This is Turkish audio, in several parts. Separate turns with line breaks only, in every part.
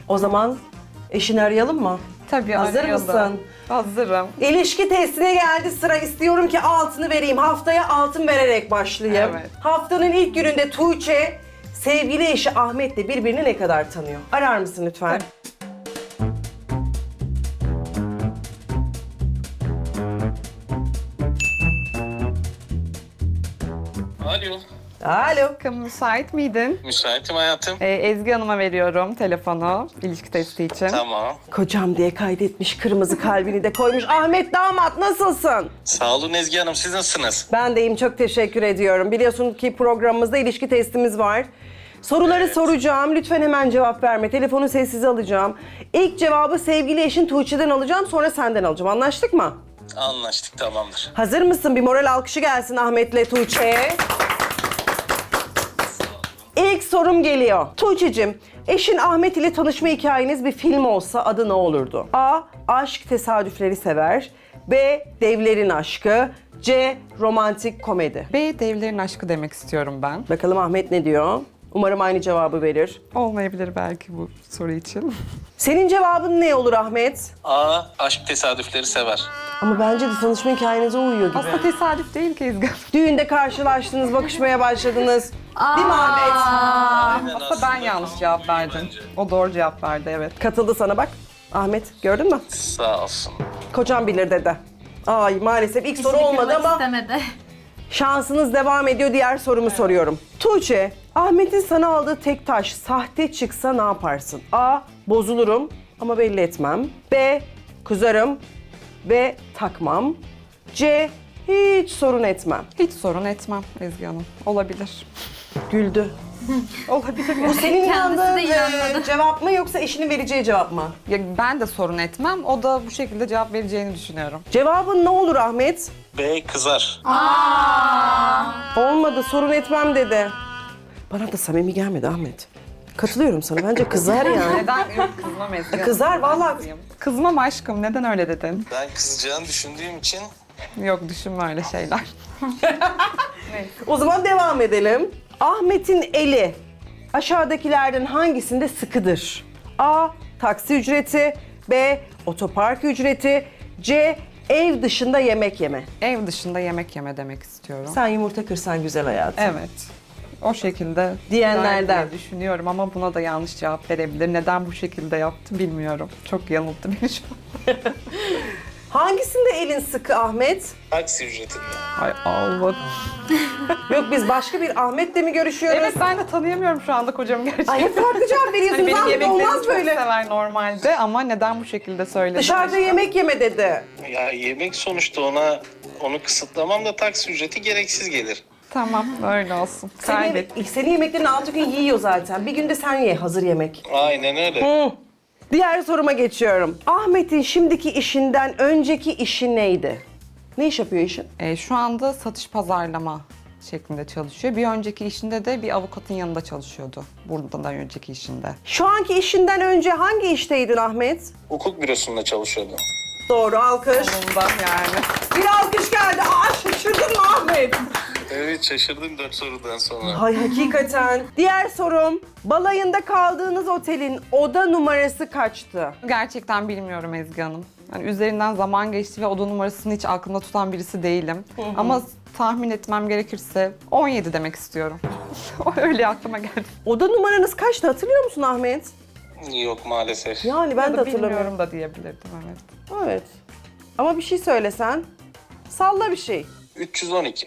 O zaman eşini arayalım mı?
Tabii
Hazır
arayalım.
mısın?
Hazırım.
İlişki testine geldi sıra. İstiyorum ki altını vereyim. Haftaya altın vererek başlayayım.
Evet.
Haftanın ilk gününde Tuğçe sevgili eşi Ahmet'le birbirini ne kadar tanıyor? Arar mısın lütfen?
Alo.
Alo.
Bakın müsait miydin?
Müsaitim hayatım.
Ezgi Hanım'a veriyorum telefonu ilişki testi için.
Tamam.
Kocam diye kaydetmiş, kırmızı kalbini de koymuş. Ahmet damat nasılsın?
Sağ olun Ezgi Hanım. Siz nasılsınız?
Ben deyim, çok teşekkür ediyorum. Biliyorsun ki programımızda ilişki testimiz var. Soruları soracağım. Lütfen hemen cevap verme. Telefonu sessize alacağım. İlk cevabı sevgili eşin Tuğçe'den alacağım. Sonra senden alacağım. Anlaştık mı?
Anlaştık, tamamdır.
Hazır mısın? Bir moral alkışı gelsin Ahmet'le Tuğçe'ye. İlk sorum geliyor. Tuğçe'cim, eşin Ahmet ile tanışma hikayeniz bir film olsa adı ne olurdu? A. Aşk tesadüfleri sever. B. Devlerin aşkı. C. Romantik komedi.
B, devlerin aşkı demek istiyorum ben.
Bakalım Ahmet ne diyor? Umarım aynı cevabı verir.
Olmayabilir belki bu soru için.
Senin cevabın ne olur Ahmet?
A. Aşk tesadüfleri sever.
Ama bence de tanışma hikayenize uyuyor gibi.
Aslında tesadüf değil ki Ezgi Hanım.
Düğünde karşılaştınız, bakışmaya başladınız. Değil mi Ahmet?
Aynen
Aslında ben yanlış cevap verdim.
bence.
O doğru cevap verdi, evet.
Katıldı sana bak. Ahmet gördün mü?
Sağ olsun.
Kocam bilir dedi. Ay maalesef ilk soru
İşini
olmadı
kırmak
ama
istemedi.
şansınız devam ediyor. Diğer sorumu soruyorum. Tuğçe, Ahmet'in sana aldığı tek taş sahte çıksa ne yaparsın? A. Bozulurum ama belli etmem. B. Kızarım ve takmam. C. Hiç sorun etmem.
Hiç sorun etmem Ezgi Hanım. Olabilir.
Güldü.
Olabilir.
Bu senin
Kendisi de
inandığın
inanmadı.
cevap mı yoksa eşinin vereceği cevap mı?
Ya ben de sorun etmem. O da bu şekilde cevap vereceğini düşünüyorum.
Cevabın ne olur Ahmet?
B. Kızar.
Olmadı, sorun etmem dedi. Bana da samimi gelmedi Ahmet. Katılıyorum sana. Bence kızar yani.
Neden? Yok, kızmam Ezgi Hanım.
Kızar vallahi.
Kızayım. Kızmam aşkım. Neden öyle dedin?
Ben kızacağını düşündüğüm için
Yok, düşünme öyle şeyler.
O zaman devam edelim. Ahmet'in eli aşağıdakilerden hangisinde sıkıdır? A. Taksi ücreti. B. Otopark ücreti. C. Ev dışında yemek yeme.
Ev dışında yemek yeme demek istiyorum.
Sen yumurta kırsan güzel hayatım.
Evet. O şekilde
Diyenlerden.
diye düşünüyorum ama buna da yanlış cevap verebilir. Neden bu şekilde yaptı bilmiyorum. Çok yanılttı beni şu an.
Hangisinde elin sıkı Ahmet?
taksi ücretinde.
Ay Allah.
Yok biz başka bir Ahmet'le mi görüşüyoruz?
Evet, ben de tanıyamıyorum şu anda kocamı gerçekten.
Ay hep farklı cevap veriyorsunuz.
Hani benim
Ahmet
yemeklerimi
olmaz
çok
böyle.
sever normalde ama neden bu şekilde söyledi?
Dışarıda yemek yeme dedi.
Ya yemek sonuçta onu kısıtlamam da taksi ücreti gereksiz gelir.
Tamam, öyle olsun. Kaybet.
Senin yemeklerini 6 gün yiyor zaten. Bir günde sen ye hazır yemek.
Aynen öyle.
Diğer soruma geçiyorum. Ahmet'in şimdiki işinden önceki işi neydi? Ne iş yapıyor işin?
Şu anda satış pazarlama şeklinde çalışıyor. Bir önceki işinde de bir avukatın yanında çalışıyordu. Buradan önceki işinde.
Şu anki işinden önce hangi işteydin Ahmet?
Hukuk bürosunda çalışıyordum.
Doğru, alkış.
Bundan yani.
Bir alkış geldi. Aa şaşırdın mı Ahmet?
Evet, şaşırdım 4 sorudan sonra.
Hay hakikaten. Diğer sorum. Balayında kaldığınız otelin oda numarası kaçtı?
Gerçekten bilmiyorum Ezgi Hanım. Yani üzerinden zaman geçti ve oda numarasını hiç aklımda tutan birisi değilim. Ama tahmin etmem gerekirse 17 demek istiyorum. O öyle aklıma geldi.
Oda numaranız kaçtı hatırlıyor musun Ahmet?
Yok maalesef.
Yani ben
Ya
de
da
hatırlamıyorum.
bilmiyorum da diyebilirdim, evet.
Evet. Ama bir şey söylesen. Salla bir şey.
312.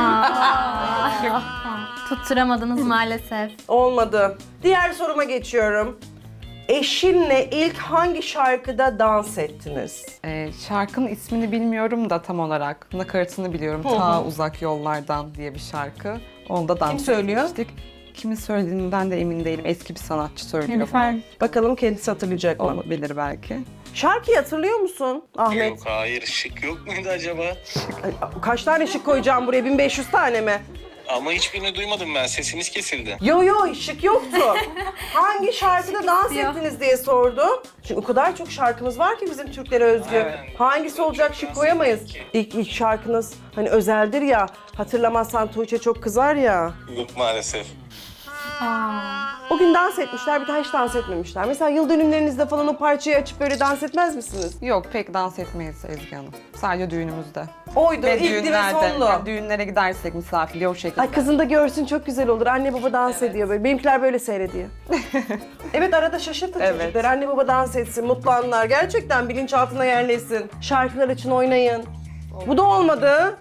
Tutturamadınız maalesef.
Olmadı. Diğer soruma geçiyorum. Eşinle ilk hangi şarkıda dans ettiniz?
Şarkının ismini bilmiyorum da tam olarak. Nakaratını biliyorum. Ta Uzak Yollardan diye bir şarkı. Onda dans
söylüyor?
etmiştik. Kimin söylediğinden de emin değilim. Eski bir sanatçı söylüyor.
Nilüfer.
Bakalım kendisi hatırlayacak mı?
Olabilir belki.
Şarkıyı hatırlıyor musun Ahmet?
Yok hayır, şık yok muydu acaba?
Ay, kaç tane şık koyacağım buraya? 1500 tane mi?
Ama hiçbirini duymadım ben, sesiniz kesildi.
Yo şık yoktu. Hangi şarkıda dans
istiyor.
ettiniz diye sordu. Çünkü o kadar çok şarkımız var ki bizim Türklere özgü.
Evet.
Hangisi olacak şık koyamayız. İlk şarkınız hani özeldir ya. Hatırlamazsan Tuğçe çok kızar ya.
Yok maalesef.
O gün dans etmişler, bir daha hiç dans etmemişler. Mesela yıl dönümlerinizde falan o parçayı açıp böyle dans etmez misiniz?
Yok pek dans etmeyiz Ezgi Hanım. Sadece düğünümüzde.
Oydu,
Ve
ilk ve sonlu.
yani düğünlere gidersek misafirliğe o şekilde.
Ay kızın da görsün çok güzel olur. Anne baba dans ediyor böyle. Benimkiler böyle seyrediyor. Evet arada şaşırtın
Evet.
çocuklar. Anne baba dans etsin, mutlu anlar. Gerçekten bilinçaltına yerleşsin. Şarkılar için oynayın. Bu da olmadı.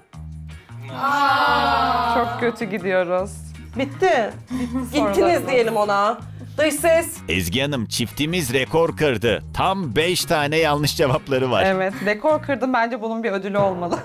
Çok kötü gidiyoruz.
Bitti. Gittiniz
sorularımız.
diyelim ona. Dış ses.
Ezgi Hanım çiftimiz rekor kırdı. Tam 5 tane yanlış cevapları var.
Evet, rekor kırdım. Bence bunun bir ödülü olmalı.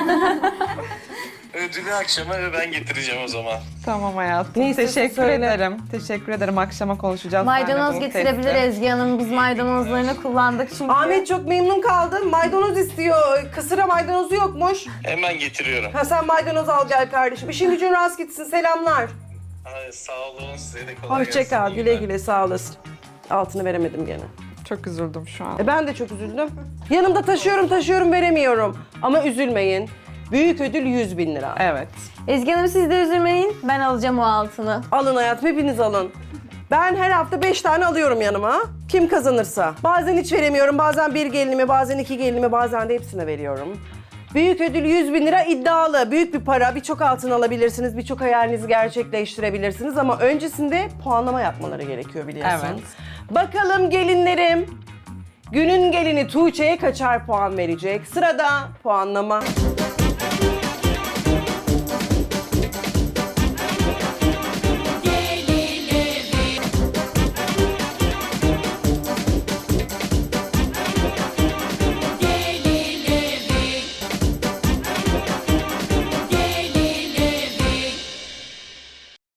Ödülü akşama ben getireceğim o zaman.
Tamam hayatım.
Ne istiyorsun
Teşekkür
söyle.
ederim. Teşekkür ederim. Akşama konuşacağız.
Maydanoz
seninle bu
getirebilir
testi.
Ezgi Hanım. Biz maydanozlarını kullandık çünkü.
Ahmet çok memnun kaldım. Maydanoz istiyor. Kısıra maydanozu yokmuş.
Hemen getiriyorum.
Ha sen maydanoz al gel kardeşim. İşin gücün rast gitsin. Selamlar.
Ay, sağ olun, size de kolay gelsin.
Hoşça kal.
İyi
Güle
günler.
güle sağ olasın. Altını veremedim gene.
Çok üzüldüm şu an.
Ben de çok üzüldüm. Yanımda taşıyorum veremiyorum. Ama üzülmeyin. Büyük ödül 100.000 lira.
Evet.
Ezgi Hanım siz de üzülmeyin. Ben alacağım o altını.
Alın hayatım hepiniz alın. Ben her hafta 5 tane alıyorum yanıma. Kim kazanırsa. Bazen hiç veremiyorum. Bazen bir gelinime, bazen iki gelinime, bazen de hepsine veriyorum. Büyük ödül 100.000 lira iddialı. Büyük bir para. Birçok altın alabilirsiniz. Birçok hayalinizi gerçekleştirebilirsiniz. Ama öncesinde puanlama yapmaları gerekiyor biliyorsun.
Evet.
Bakalım gelinlerim. Günün gelini Tuğçe'ye kaçar puan verecek? Sırada puanlama.